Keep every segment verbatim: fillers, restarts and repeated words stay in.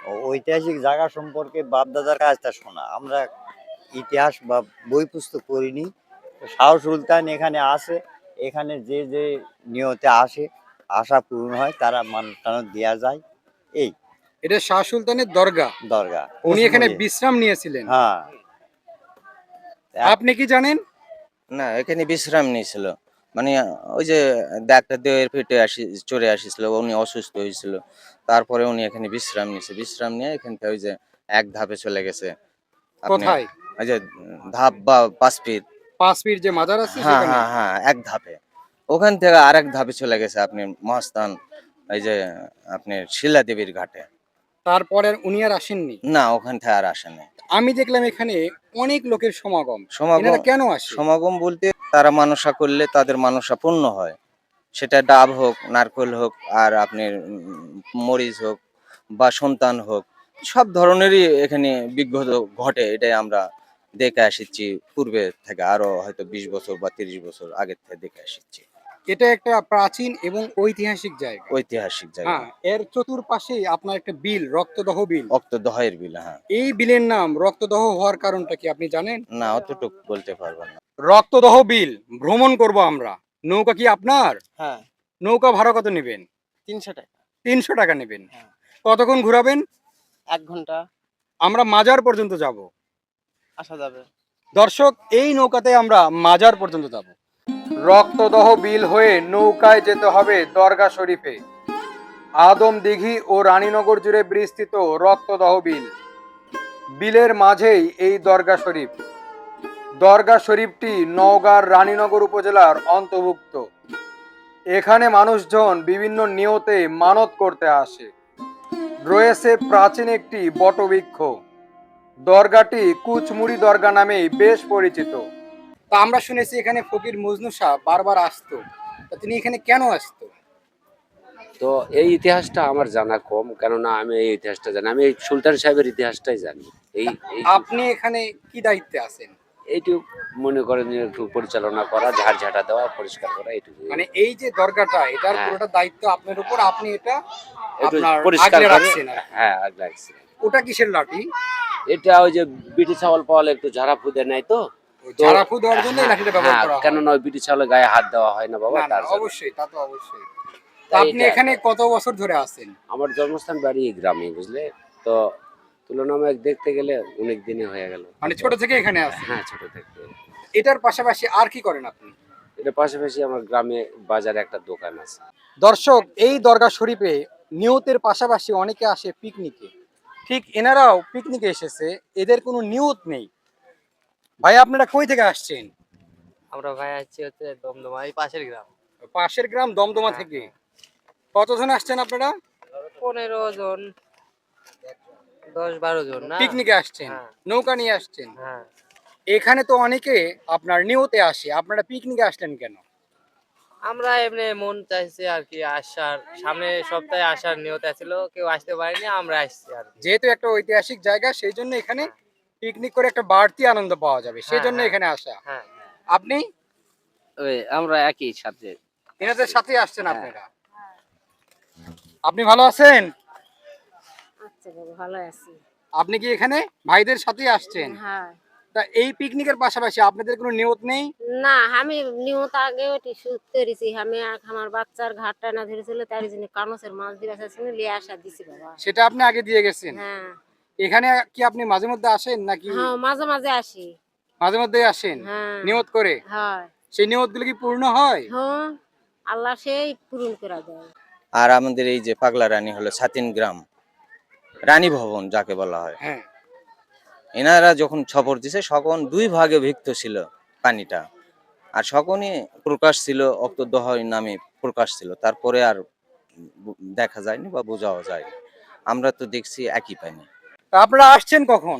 ও- ঐতিহাসিক জায়গা সম্পর্কে বাপদাদার কাছ থেকে শোনা। আমরা ইতিহাস বা বই পুস্তক পড়িনি। তো শাহ সুলতান এখানে আসে, এখানে যে যে নিয়তে আসে, আশা পূরণ হয়, তারা মান টানত দেওয়া যায়। এই এটা শাহ সুলতানের দরগা। দরগা উনি এখানে কোচমুড়ি। বিশ্রাম নিয়েছিলেন। হ্যাঁ। আপনি কি জানেন? না, এখানে বিশ্রাম নিয়েছিল। মানে ওই যে ডাক্তার দেহের পেটে আসি চড়ে আসিছিল, উনি অসুস্থ হয়েছিল। তারপরে উনি এখানে বিশ্রাম নিয়েছে। বিশ্রাম নিয়ে এখান থেকে ওই যে এক ধাপে চলে গেছে। আপনি কোথায়? ওই যে ধাপ বা পাঁচ ফিট। পাঁচ পীর যে মাজার আছে হ্যাঁ সেখানে। হ্যাঁ হ্যাঁ, এক ধাপে। ওখান থেকে আরেক ধাপে চলে গেছে আপনি মহাস্থান, এই যে আপনি শিলা দেবীর ঘাটে। তারপরে উনি আর আসেননি। না, ওখান থেকে আর আসেনি। আমি দেখলাম এখানে অনেক লোকের সমাগম। সমাগম এনারা কেন আসে? সমাগম বলতে তারা মানসা করলে তাদের মানসা পূর্ণ হয়। সেটা ডাব হোক, নারকেল হোক, আর আপনার উম, মরিচ হোক বা সন্তান হোক, সব ধরনেরই এখানে বিঘ্ন ঘটে। এটাই আমরা দেখে আসছি পূর্বে থেকে, আরো হয়তো বিশ বছর বা তিরিশ বছর আগের থেকে দেখে আসছি। এটা একটা প্রাচীন এবং ঐতিহাসিক জায়গা। ঐতিহাসিক জায়গা। হ্যাঁ, এর চতুর্পাশেই আপনার একটা বিল, রক্তদহ বিল। অক্তদহের বিল, হ্যাঁ। এই বিলের নাম রক্তদহ হওয়ার কারণটা কি আপনি জানেন? না, অতটুকু বলতে পারবো না। রক্তদহ বিল ভ্রমণ করব আমরা। নৌকা কি আপনার? হ্যাঁ, নৌকা ভাড়া কত নেবেন? তিনশো টাকা। তিনশো টাকা নেবেন। হ্যাঁ। কতক্ষণ ঘোরাবেন? এক ঘন্টা আমরা মাজার পর্যন্ত যাব। আসা যাবে। দর্শক, এই নৌকাতে আমরা মাজার পর্যন্ত যাব। রক্তদহ বিল হয়ে নৌকায় যেতে হবে দরগা শরীফে। আদম দিঘি ও রানীনগর জুড়ে বিস্তৃত রক্তদহ বিল। বিলের মাঝেই এই দরগা শরীফ। দরগা শরীফটি নওগাঁর রানীনগর উপজেলার অন্তর্ভুক্ত। এখানে মানুষজন বিভিন্ন নিয়তে মানত করতে আসে। রয়েছে প্রাচীন একটি বটবৃক্ষ। দরগাটি কুচমুড়ি দরগা নামেই বেশ পরিচিত। তা আমরা শুনেছি এখানে ফকির মজনু শাহ বারবার আসতো। তা তিনি এখানে কেন আসতো? তো এই ইতিহাসটা আমার জানা কম, কেননা আমি এই ইতিহাসটা জানি, আমি এই সুলতান সাহেবের ইতিহাসটাই জানি। এই এই- আপনি এখানে কি দায়িত্বে আছেন? এইটুকু মনে করেন যে একটু পরিচালনা করা, ঝাড় ঝাঁটা দেওয়া, পরিষ্কার করা, এইটুকু। মানে এই যে দরগাটা, এটার হ্যাঁ। পুরোটা দায়িত্ব আপনার উপর, আপনি এটা একটু আপনার পরিষ্কার আগলে করে, রাখছেন আর কি। হ্যাঁ আগ লাগছে। ওটা কিসের লাঠি? এটা ওই যে বিটি চাওয়াল পাওয়ালে একটু ঝাড়া ফুদে নেয় তো। ওই তো- ঝাড়া ফু দেওয়ার জন্য এই হ্যাঁ, লাঠিটা ব্যবহার হ্যাঁ, করা হয়। কেননা ওই বিটি চাওয়ালে গায়ে হাত দেওয়া হয় না বাবা, না, না, তার জন্য। অবশ্যই, তা তো অবশ্যই। তা তাই আপনি এটা- এখানে কত বছর ধরে আছেন? আমার জন্মস্থান বাড়ি এই গ্রামে, বুঝলে তো। তুলনামূলক দেখতে গেলে অনেক দিনই হয়ে গেল। মানে ছোট থেকে এখানে আছেন? হ্যাঁ, ছোট থেকে। এটার পাশাপাশি আর কি করেন আপনি? এটা পাশাপাশি আমার গ্রামে বাজারে একটা দোকান আছে। দর্শক, এই দরগা শরীফে নিয়তের পাশাপাশি অনেকে আসে পিকনিকে। ঠিক এনারাও পিকনিকে এসেছে, এদের কোনো নিয়ত নেই। ভাই, আপনারা কই থেকে আসছেন? আমরা ভাই আসছি হচ্ছে দমদমা, এই পাশের গ্রাম। পাশের গ্রাম দমদমা থেকে। কতজন আসছেন আপনারা? পনেরো জন, দশ বারো জন না? পিকনিকে আসছেন, হ্যাঁ। নৌকা নিয়ে আসছেন। হ্যাঁ, এখানে তো অনেকে আপনার নিয়তে আসে, আপনারা পিকনিকে আসলেন কেন? আমরা এমনি মন চাইছে আর কি আসার, সামনে সপ্তাহে আসার নিয়ত ছিল, কেউ আসতে পারেনি, আমরা আসছি আর কি। যেহেতু একটা ঐতিহাসিক জায়গা, সেই জন্য এখানে পিকনিক করে একটা বাড়তি আনন্দ পাওয়া যাবে, সেই জন্য হ্যাঁ, এখানে আসা। হ্যাঁ, আপনি ওই আমরা একই সাথে। এনাদের সাথে আসছেন আপনারা? আপনি ভালো আছেন? আচ্ছা বাবা, ভালো আছি। আপনি কি এখানে ভাইদের সাথে আসছেন? হ্যাঁ। তা এই পিকনিকের পাশাপাশি আপনাদের কোনো নিয়ত নেই? না, আমি নিয়ত আগে ওটি শুট করেছি। আমি আর আমার বাচ্চার ঘাট টানা ধরেছিল, তার জন্য কানসের মাছ দিবা চাইছিল, লিয়ে আসা দিছি বাবা। সেটা আপনি আগে দিয়ে গেছেন? হ্যাঁ। এখানে কি আপনি মাঝে মধ্যে আসেন নাকি? হ্যাঁ, মাঝে মাঝে আসি। মাঝে মধ্যে আসেন হ্যাঁ। নিয়ত করে? হয়। সেই নিয়তগুলো কি পূর্ণ হয়? হ্যাঁ, আল্লাহ সেই পূরণ করে দেয়। আর আমাদের এই যে পাগলা রানী হলো ছাতিন গ্রাম, রানী ভবন যাকে বলা হয়। হ্যাঁ। এনারা যখন ছপর দিছে সকন দুই ভাগে ভিক্ত ছিল পানিটা, আর সকনই প্রকাশ ছিল, অক্তদহ নামে প্রকাশ ছিল। তারপরে আর বু- দেখা যায়নি বা বোঝাও যায়নি। আমরা তো দেখছি একই পানি। তা আপনারা আসছেন কখন?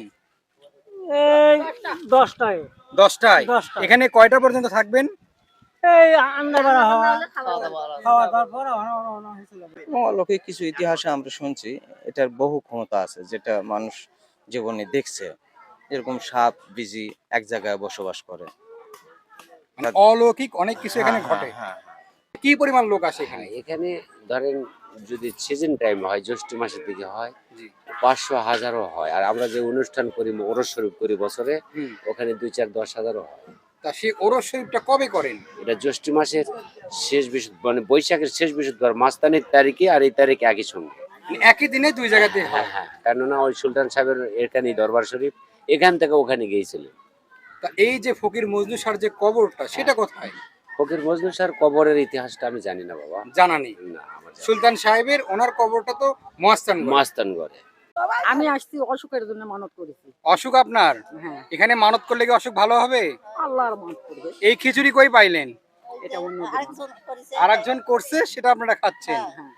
এই দশটায় দশটায়। দশটায়। এখানে কয়টা পর্যন্ত থাকবেন? এই আন্দাবাড়া হওয়া খাওয়া দাওয়ার পর রওনা রওনা হয়েছিল। এবং অলৌকিক কিছু ইতিহাসে আমরা শুনছি এটার বহু ক্ষমতা আছে, যেটা মানুষ জীবনে দেখছে। এরকম সাপ বিজি এক জায়গায় বসবাস করে। মানে অলৌকিক অনেক কিছু এখানে হ্যাঁ, ঘটে। হ্যাঁ, হ্যাঁ। কি পরিমাণ লোক আসে এখানে? হ্যাঁ, এখানে ধরেন যদি সিজন টাইম হয় জ্যৈষ্ঠ মাসের দিকে হয় জি। পাঁচশো হাজারও হয়, আর আমরা যে অনুষ্ঠান করি ওরস শরীফ করি বছরে, হুম। ওখানে দুই চার দশ হাজারও হয়। তা সেই ওরস শরীফটা কবে করেন? এটা জ্যৈষ্ঠ মাসের শেষ বৃহস্পতি মানে বৈশাখের শেষ বৃহস্পতিবার মাঝখানের তারিখে আর এই তারিখে একই সঙ্গে। মানে একই দিনে দুই জায়গাতে হয়। হ্যাঁ হ্যাঁ, কেননা ওই সুলতান সাহেবের এখানে দরবার শরীফ, এখান থেকে ওখানে গিয়েছিলেন। তা এই যে ফকির মজনু শাহর যে কবরটা সেটা কোথায়? ফকির মজনু শাহর কবরের ইতিহাসটা আমি জানি না বাবা। জানা নেই। না, আমার জানা নেই। সুলতান সাহেবের ওনার কবরটা তো মহাস্থান। মাস্তানগড়ে। আমি আসছি অসুখের জন্য মানত করেছি। অসুখ আপনার? হ্যাঁ, এখানে মানত করলে কি অসুখ ভালো হবে? আল্লাহর মানত করবে। এই খিচুড়ি কই পাইলেন? এটা অন্য আর একজন করছে সেটা আপনারা খাচ্ছেন। হ্যাঁ।